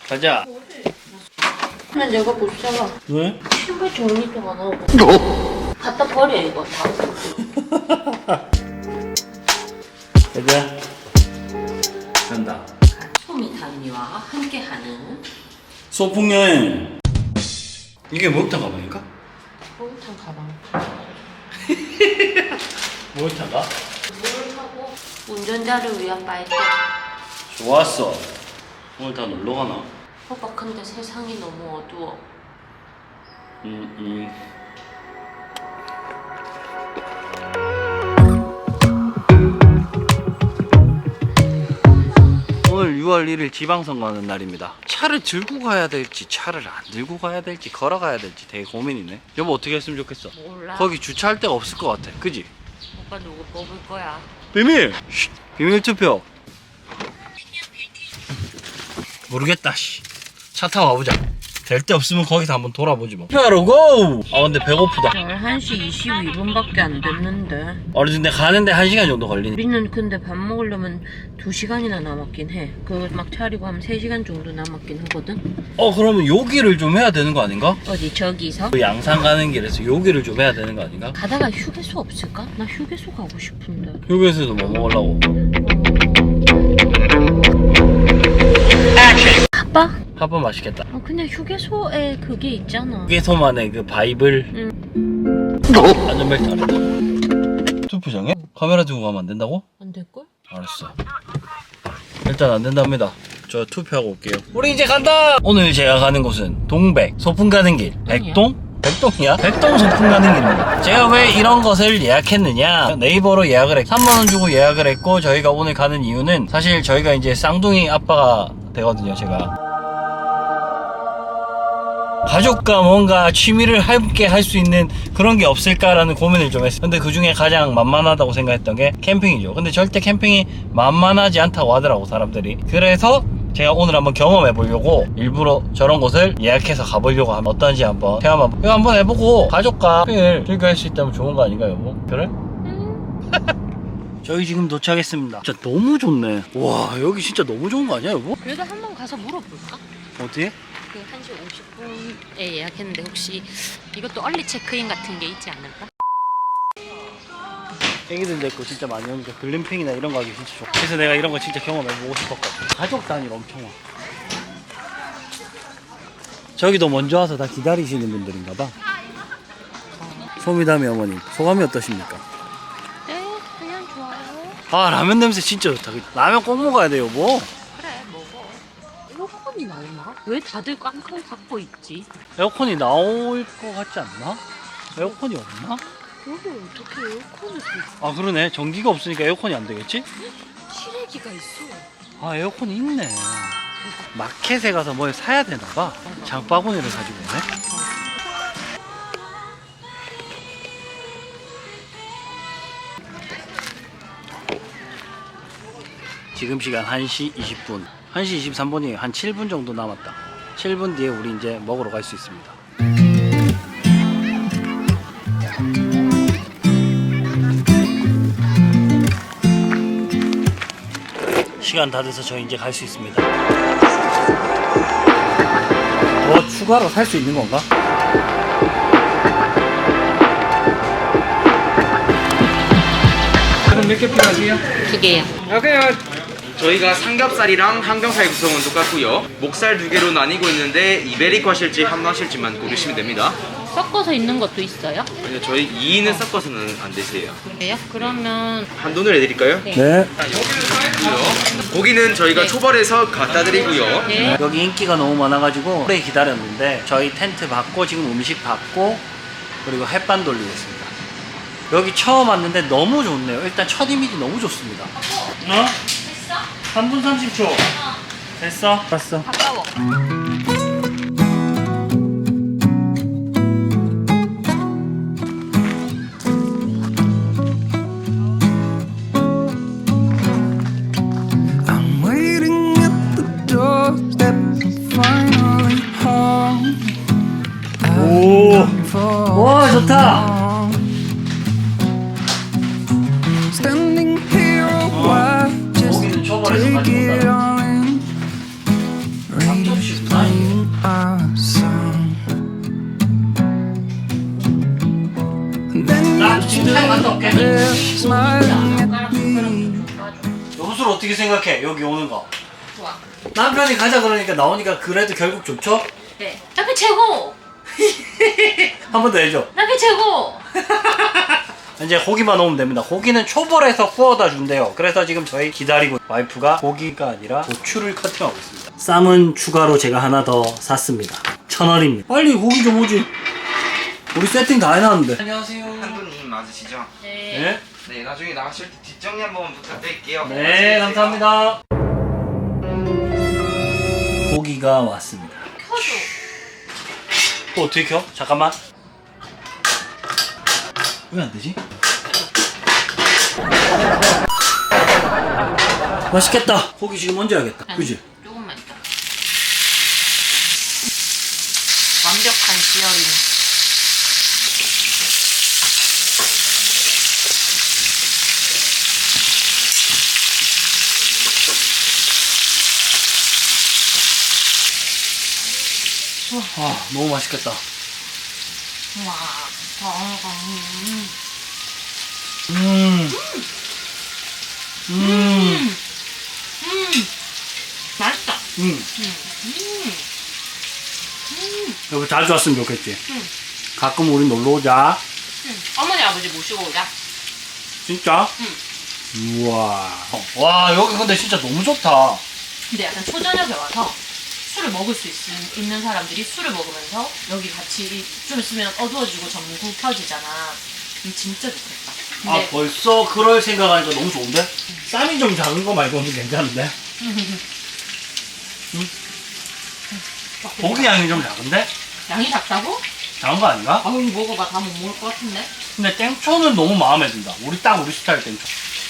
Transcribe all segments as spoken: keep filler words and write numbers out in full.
가자. 나 내가 못 살아. 왜? 신발 정리도 안 하고. 갖다 버려 이거 다. 가자. 간다. 소미담이와 함께하는 소풍 여행. 이게 목욕탕 가방인가? 목욕탕 가방. 목욕탕 가? 물을 타고 운전자를 위한 빨대. 좋았어. 오늘 다 놀러 가나? 오빠 근데 세상이 너무 어두워. 음, 음. 오늘 유월 일일 지방선거 하는 날입니다. 차를 들고 가야 될지 차를 안 들고 가야 될지 걸어가야 될지 되게 고민이네. 여보 어떻게 했으면 좋겠어? 몰라. 거기 주차할 데가 없을 것 같아. 그지? 오빠 누구 뽑을 거야? 비밀! 쉿. 비밀 투표. 모르겠다. 씨. 차 타고 가보자. 될 데 없으면 거기서 한번 돌아보지 뭐. 투표하러 고! 아 근데 배고프다. 열한 시 이십이 분밖에 안 됐는데. 어느 근데 가는데 한 시간 정도 걸리네. 우리는 근데 밥 먹으려면 두 시간이나 남았긴 해. 그거 막 차리고 하면 세 시간 정도 남았긴 하거든. 어 그러면 요기를 좀 해야 되는 거 아닌가? 어디 저기서? 그 양산 가는 길에서 요기를 좀 해야 되는 거 아닌가? 가다가 휴게소 없을까? 나 휴게소 가고 싶은데. 요기에서도 뭐 먹으려고? 아빠? 핫바 맛있겠다. 어, 그냥 휴게소에 그게 있잖아. 휴게소만의 그 바이블. 응. 안전벨트 안 했다. 투표장에? 카메라 들고 가면 안 된다고? 안 될걸? 알았어. 일단 안 된답니다. 저 투표하고 올게요. 우리 이제 간다! 오늘 제가 가는 곳은 동백, 소풍 가는 길, 백동? 백동이야? 백동 소풍 가는 길입니다. 제가 왜 이런 것을 예약했느냐? 네이버로 예약을 했고 삼만 원 주고 예약을 했고 저희가 오늘 가는 이유는 사실 저희가 이제 쌍둥이 아빠가 되거든요, 제가. 가족과 뭔가 취미를 함께 할 수 있는 그런 게 없을까라는 고민을 좀 했어요. 근데 그 중에 가장 만만하다고 생각했던 게 캠핑이죠. 근데 절대 캠핑이 만만하지 않다고 하더라고, 사람들이. 그래서 제가 오늘 한번 경험해 보려고 일부러 저런 곳을 예약해서 가보려고 하면 어떤지 한번 체험 한번, 이거 한번 해보고 가족과 캠핑을 즐겨할 수 있다면 좋은 거 아닌가요, 여보? 그래? 저희 지금 도착했습니다. 진짜 너무 좋네. 와, 여기 진짜 너무 좋은 거 아니야, 여보? 그래도 한번 가서 물어볼까? 어떻게? 그 한 시 오십 분에 예약했는데 혹시 이것도 얼리 체크인 같은 게 있지 않을까? 애기들 데리고 진짜 많이 오니까 글램핑이나 이런 거 하기 진짜 좋아. 그래서 내가 이런 거 진짜 경험해보고 싶었거든. 가족 단위로 엄청 와. 저기도 먼저 와서 다 기다리시는 분들인가 봐. 소미담이 어머님 소감이 어떠십니까? 네, 그냥 좋아요. 아 라면 냄새 진짜 좋다. 라면 꼭 먹어야 돼요 뭐. 그래, 먹어. 에어컨이 나오나? 왜 다들 깡통 갖고 있지? 에어컨이 나올 것 같지 않나? 에어컨이 없나? 여기 어떻게 에어컨을 써? 아 그러네. 전기가 없으니까 에어컨이 안 되겠지? 실외기가 있어. 아 에어컨이 있네. 마켓에 가서 뭘 사야 되나 봐. 장바구니를 가지고 오네. 지금 시간 한 시 이십 분. 한 시 이십삼 분이 한 칠 분 정도 남았다. 칠 분 뒤에 우리 이제 먹으러 갈 수 있습니다. 시간 다 돼서 저희 이제 갈 수 있습니다. 더 추가로 살 수 있는 건가? 그럼 몇 개 필요하세요? 두 개야. 오케이. 저희가 삼겹살이랑 항정살 구성은 똑같고요. 목살 두 개로 나뉘고 있는데 이베리코 하실지 함노 하실지만 고르시면 됩니다. 섞어서 있는 것도 있어요? 아니요, 저희 이 인은 섞어서는 안 되세요. 그래요? 그러면 한돈을 해드릴까요? 네. 네. 자, 여기를 사야고요. 고기는 저희가 네. 초벌해서 갖다 드리고요. 네. 여기 인기가 너무 많아가지고 오래 기다렸는데 저희 텐트 받고 지금 음식 받고 그리고 햇반 돌리고 있습니다. 여기 처음 왔는데 너무 좋네요. 일단 첫 이미지 너무 좋습니다. 어? 됐어? 삼 분 삼십 초. 어. 됐어? 봤어. 가까워. I'm waiting at the doorstep, finally home. 오. For 와 좋다. standing here a while, just 고기는 초벌해서 take 가지고 it 온다. all in. Rain ladies playing our song. And then 나 you 진짜 갔다 올게. there smiling at me. 여보술 어떻게 생각해? 여기 오는 거. 좋아. 남편이 가자 그러니까 나오니까 그래도 결국 좋죠? 네. 남편 최고. 한 번 더 해줘. 남편 최고. 이제 고기만 오면 됩니다. 고기는 초벌해서 구워다 준대요. 그래서 지금 저희 기다리고 와이프가 고기가 아니라 고추를 커팅하고 있습니다. 쌈은 추가로 제가 하나 더 샀습니다. 천 원입니다. 빨리 고기 좀 오지. 우리 세팅 다 해놨는데. 안녕하세요. 한분님 맞으시죠? 네. 네, 네, 나중에 나가실 때 뒷정리 한번 부탁드릴게요. 네 감사합니다. 고기가 왔습니다. 켜줘. 또 어떻게 켜? 잠깐만. 왜 안 되지? 맛있겠다. 고기 지금 얹어야겠다. 그지? 조금만 있다. 완벽한 시어링. 아 너무 맛있겠다. 와. 음. 음. 음. 음. 맛있다. 음. 음. 음. 여기 자주 왔으면 좋겠지. 음. 가끔 우리 놀러 오자. 음. 어머니 아버지 모시고 오자. 진짜? 응. 우와. 와 여기 근데 진짜 너무 좋다. 근데 약간 초저녁에 와서 술을 먹을 수 있, 있는 사람들이 술을 먹으면서 여기 같이 좀 있으면 어두워지고 전구 켜지잖아. 음, 진짜 좋겠다. 아 근데 벌써 그럴 생각하니까 너무 좋은데? 쌈이 좀 작은 거 말고는 괜찮은데? 응? 고기 양이 좀 작은데? 양이 작다고? 작은 거 아닌가? 아우 먹어봐. 다 못 먹을 것 같은데? 근데 땡초는 너무 마음에 든다. 우리 딱 우리 스타일 땡초.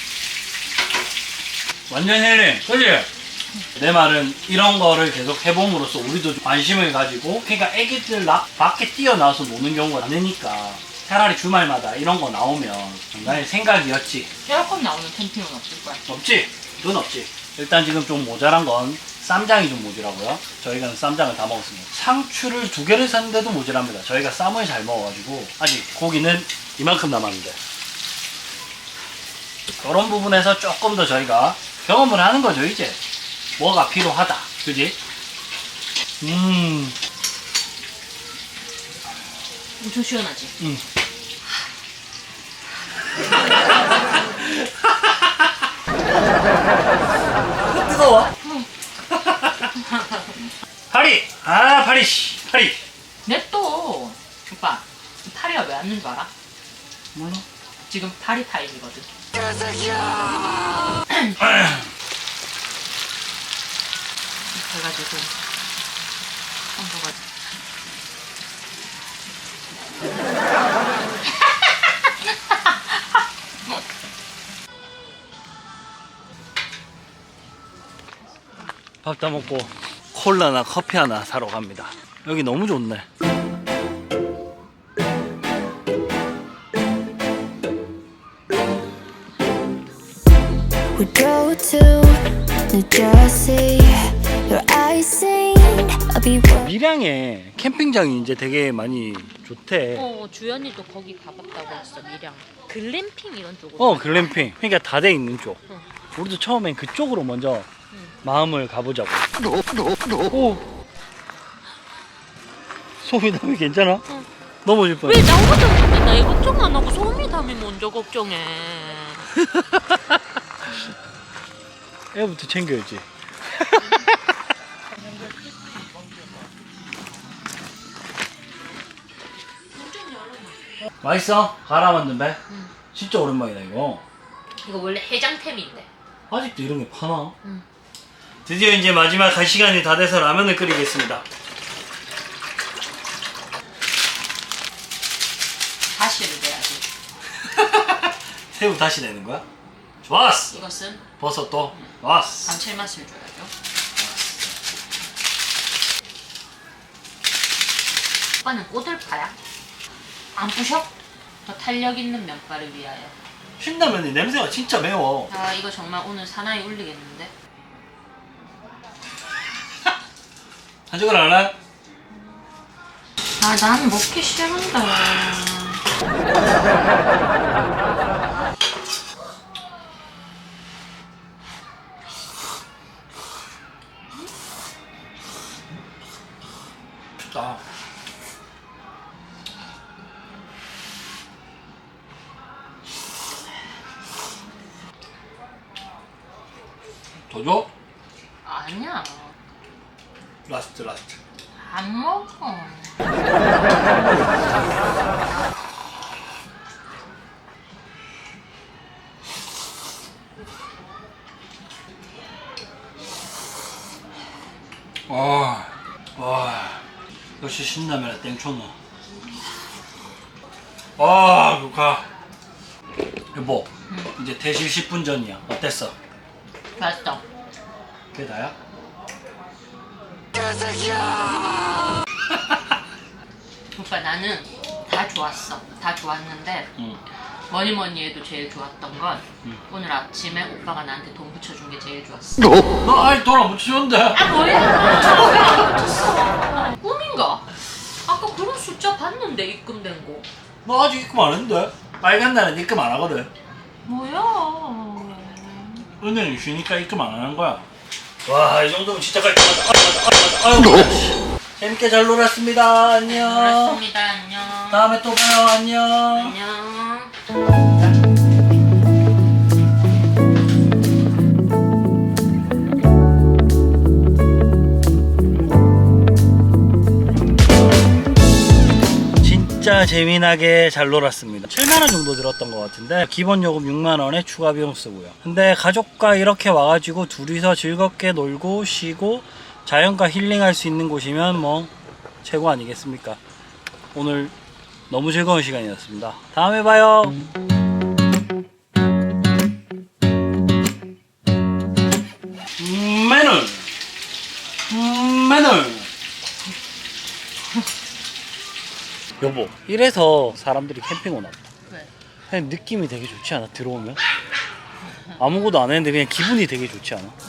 완전 힐링, 그지? 내 말은 이런 거를 계속 해봄으로써 우리도 좀 관심을 가지고, 그러니까 애기들 나, 밖에 뛰어나와서 노는 경우가 많으니까 차라리 주말마다 이런 거 나오면 나의 생각이었지. 에어컨 나오는 캠핑은 없을 거야. 없지? 그건 없지. 일단 지금 좀 모자란 건 쌈장이 좀 모자라고요. 저희가 쌈장을 다 먹었습니다. 상추를 두 개를 샀는데도 모자랍니다. 저희가 쌈을 잘 먹어가지고 아직 고기는 이만큼 남았는데, 그런 부분에서 조금 더 저희가 경험을 하는 거죠. 이제 뭐가 필요하다, 그지? 음, 엄청 시원하지? 음. 뜨거워. 파리! 아, 파리, 씨, 파리. 냅둬. 오빠, 파리가 왜 왔는 줄 알아? 몰라. 지금 파리 타임이거든. 그래가지고 얹어가지고 밥 다 먹고 콜라나 커피 하나 사러 갑니다. 여기 너무 좋네. We go to New Jersey. Your eyes sing. I'll be one. 밀양에 캠핑장이 이제 되게 많이 좋대. 어, 주연이도 거기 가봤다고 했어. 밀양 글램핑 이런 쪽으로. 어, 글램핑. 그러니까 다 돼 있는 쪽. 응. 우리도 처음엔 그쪽으로 먼저 응. 마음을 가보자고. 오. 소미 담이 괜찮아? 응. 넘어질 뻔. 왜 나 혼자 나 이거 걱정 안 하고 소미 담이 먼저 걱정해. 애부터 챙겨야지. 맛있어? 갈아 만든 배? 응. 진짜 오랜만이다 이거. 이거 원래 해장템인데. 아직도 이런 게 파나? 응. 드디어 이제 마지막 갈 시간이 다 돼서 라면을 끓이겠습니다. 다시를 내야지. 새우 다시 내는 거야? 좋았어. 이것은 버섯도 좋았어. 감칠맛을 줘야죠. 오빠는 꼬들파야? 안 부셔? 더 탄력 있는 면발을 위하여. 신라면이 냄새가 진짜 매워. 아 이거 정말 오늘 사나이 울리겠는데? 한쪽을 안 해? 아, 난 먹기 싫은데. 아. 더 줘? 아니야. 라스트 라스트. 안 먹어. 와, 와, 역시 신라면에 땡초노. 아, 루카. 여보, 이제 대실 십 분 전이야. 어땠어? 맛있어. 그게 다야? 오빠, 나는 다 좋았어. 다 좋았는데 응. 뭐니 뭐니 해도 제일 좋았던 건 응. 오늘 아침에 오빠가 나한테 돈 붙여준 게 제일 좋았어. 너 아직 돈 안 붙였는데? 아, 뭐야? 왜안 붙였어? 꿈인가? 아까 그런 숫자 봤는데 입금된 거. 너 아직 입금 안 했는데? 빨간 날은 입금 안 하거든. 뭐야? 은행이 쉬니까 입금 안 하는 거야. 와, 이 정도면 진짜 깔끔하다. 아유, 아유, 아유. 재밌게 잘 놀았습니다. 안녕. 그렇습니다. 안녕. 다음에 또 봐요. 안녕. 안녕. 진짜 재미나게 잘 놀았습니다. 칠만 원 정도 들었던 것 같은데 기본 요금 육만 원에 추가 비용 쓰고요. 근데 가족과 이렇게 와가지고 둘이서 즐겁게 놀고 쉬고 자연과 힐링할 수 있는 곳이면 뭐 최고 아니겠습니까? 오늘 너무 즐거운 시간이었습니다. 다음에 봐요. 음, 매너 음, 매너 여보, 이래서 사람들이 캠핑 오나 보다. 왜? 그냥 느낌이 되게 좋지 않아? 들어오면? 아무것도 안 했는데 그냥 기분이 되게 좋지 않아?